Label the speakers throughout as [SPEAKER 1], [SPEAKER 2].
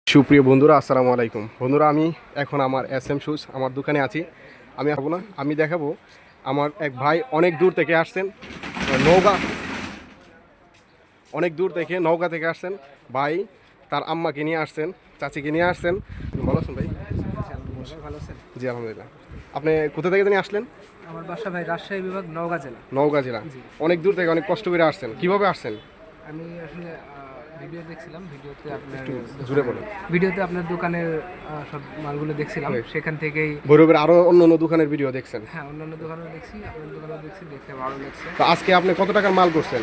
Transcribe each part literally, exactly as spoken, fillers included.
[SPEAKER 1] সুপ্রিয় বন্ধুরা, আসসালামু আলাইকুম। বন্ধুরা, আমি এখন আমার এস এম শুজ আমার দোকানে আছি। আমি আসবো না, আমি দেখাবো আমার এক ভাই অনেক দূর থেকে আসছেন, নওগাঁ অনেক দূর থেকে নওগাঁ থেকে আসছেন। ভাই তার আম্মাকে নিয়ে আসছেন, চাচিকে নিয়ে আসছেন। ভালো আছেন ভাই?
[SPEAKER 2] ভালো আছেন?
[SPEAKER 1] জি আলহামদুলিল্লাহ। আপনি কোথা থেকে জানি আসলেন?
[SPEAKER 2] আমার বাসা ভাই রাজশাহী বিভাগ, নওগাঁ জেলা।
[SPEAKER 1] নওগাঁ জেলা। অনেক দূর থেকে অনেক কষ্ট করে আসছেন, কিভাবে আসছেন?
[SPEAKER 2] আমি আসলে আহ, ভিডিও দেখছিলাম, ভিডিওতে আপনার
[SPEAKER 1] একটু জুড়ে বলেন।
[SPEAKER 2] ভিডিওতে আপনার দোকানের আহ, সব মালগুলো দেখছিলাম, সেখান থেকেই।
[SPEAKER 1] ভৈরবের আরো অন্য অন্য দোকানের ভিডিও দেখছেন?
[SPEAKER 2] হ্যাঁ, অন্যান্য দোকানেও দেখছি, আপনার দোকানেও দেখছি, দেখে ভালো লাগছে।
[SPEAKER 1] তো আজকে আপনি কত টাকার মাল করছেন?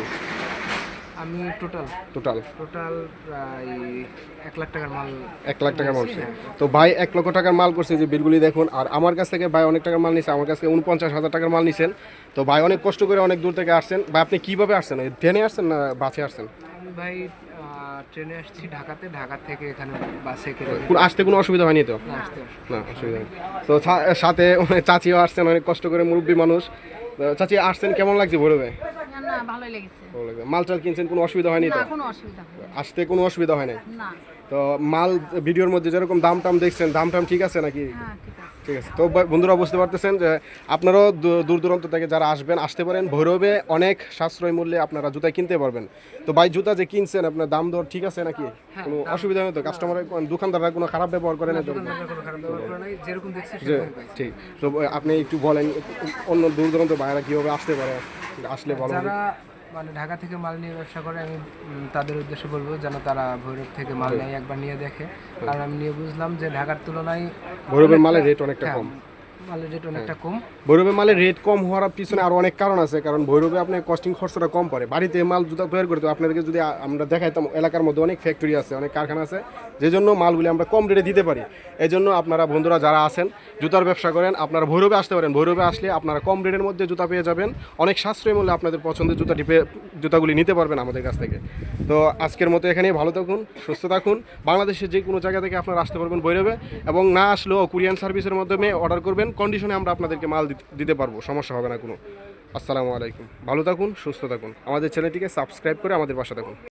[SPEAKER 2] আমি টোটাল
[SPEAKER 1] টোটাল
[SPEAKER 2] টোটাল প্রায় এক লাখ টাকার মাল।
[SPEAKER 1] এক লাখ টাকার মাল। তো ভাই এক লক্ষ টাকার মাল করছে, যে বিলগুলি দেখুন। আর আমার কাছ থেকে ভাই অনেক টাকার মাল নিছে, আমার কাছ থেকে উনপঞ্চাশ হাজার টাকার মাল নিছেন। তো ভাই অনেক কষ্ট করে অনেক দূর থেকে আসছেন। ভাই আপনি কিভাবে আসছেন? ট্রেনে আসছেন না বাসে আসছেন?
[SPEAKER 2] আমি ভাই আহ, ট্রেনে আসছি ঢাকাতে, ঢাকা থেকে এখানে বাসে করে
[SPEAKER 1] কোনো আসতে কোনো অসুবিধা হয়নি তো?
[SPEAKER 2] আসতে আসতে
[SPEAKER 1] না, অসুবিধা নেই। তো সা- সাথে অনেক চাচিও আসছেন, অনেক কষ্ট করে, মুরব্বী মানুষ। তো চাচি আসছেন, কেমন লাগছে ভৈরবে?
[SPEAKER 3] না, ভালোই লেগেছে।
[SPEAKER 1] ভালো লাগছে। মাল টাল কিনছেন, কোনো অসুবিধা হয়নি তো?
[SPEAKER 3] না, কোনো অসুবিধা হয়নি।
[SPEAKER 1] আসতে কোনো অসুবিধা হয় না?
[SPEAKER 3] না।
[SPEAKER 1] তো মাল ভিডিওর মধ্যে যেরকম দাম টাম দেখছেন, দাম টাম ঠিক আছে নাকি?
[SPEAKER 3] হ্যাঁ, ঠিক আছে।
[SPEAKER 1] ঠিক আছে। তো বা- বন্ধুরা বুঝতে পারতেছেন যে আপনারাও দূ- দূর দূরান্ত থেকে যারা আসবেন, আসতে পারেন। ভৈরবে অনেক সাশ্রয় মূল্যে আপনারা জুতা কিনতে পারবেন। তো ভাই জুতা যে কিনছেন, আপনার দাম দর ঠিক আছে নাকি? কোনো অসুবিধা নেই তো? কাস্টমার দোকানদাররা কোনো খারাপ ব্যবহার করে না তো?
[SPEAKER 2] দোকানদাররা কোনো খারাপ ব্যবহার করে নাই, যেরকম দেখছি
[SPEAKER 1] যে
[SPEAKER 2] সেরকমই পাইছি।
[SPEAKER 1] ঠিক। তো আপনি একটু বলেন অন্য দূর দূরান্ত বাইরে কীভাবে আসতে পারে, আসলে ভালো হবে।
[SPEAKER 2] যারা মানে ঢাকা থেকে মাল নিয়ে ব্যবসা করে, আমি উম, তাদের উদ্দেশ্যে বলবো যেন তারা ভৈরব থেকে মাল নেয়, একবার নিয়ে দেখে। কারণ আমি নিয়ে বুঝলাম যে ঢাকার তুলনায়
[SPEAKER 1] ভৈরবের মালের রেট অনেকটা
[SPEAKER 2] হ্যাঁ,
[SPEAKER 1] কম।
[SPEAKER 2] মালের রেট অনেকটা কম।
[SPEAKER 1] ভৈরবে মালের রেট কম হওয়ার পিছনে আরও অনেক কারণ আছে। কারণ ভৈরবে আপনার কস্টিং খরচটা কম পড়ে। বাড়িতে মাল জুতা তৈরি করতে আপনাদেরকে যদি আ- আমরা দেখাইতাম, এলাকার মধ্যে অনেক ফ্যাক্টরি আছে, অনেক কারখানা আছে, যে জন্য মালগুলি আমরা কম রেটে দিতে পারি। এই জন্য আপনারা বন্ধুরা যারা আছেন, জুতার ব্যবসা করেন, আপনারা ভৈরবে আসতে পারেন। ভৈরবে আসলে আপনারা কম রেটের মধ্যে জুতা পেয়ে যাবেন, অনেক সাশ্রয়ী মূল্যে আপনাদের পছন্দের জুতাটি পেয়ে জুতাগুলি নিতে পারবেন আমাদের কাছ থেকে। তো আজকের মতো এখানেই, ভালো থাকুন, সুস্থ থাকুন। বাংলাদেশের যে কোনো জায়গা থেকে আপনারা আসতে পারবেন ভৈরবে, এবং না আসলেও কুরিয়ান সার্ভিসের মাধ্যমে অর্ডার করবেন, কন্ডিশনে আমরা আপনাদেরকে মাল দিতে- দিতে পারবো, সমস্যা হবে না কোনো। আসসালামু আলাইকুম। ভালো থাকুন, সুস্থ থাকুন। আমাদের চ্যানেলটিকে সাবস্ক্রাইব করে আমাদের পাশে থাকুন।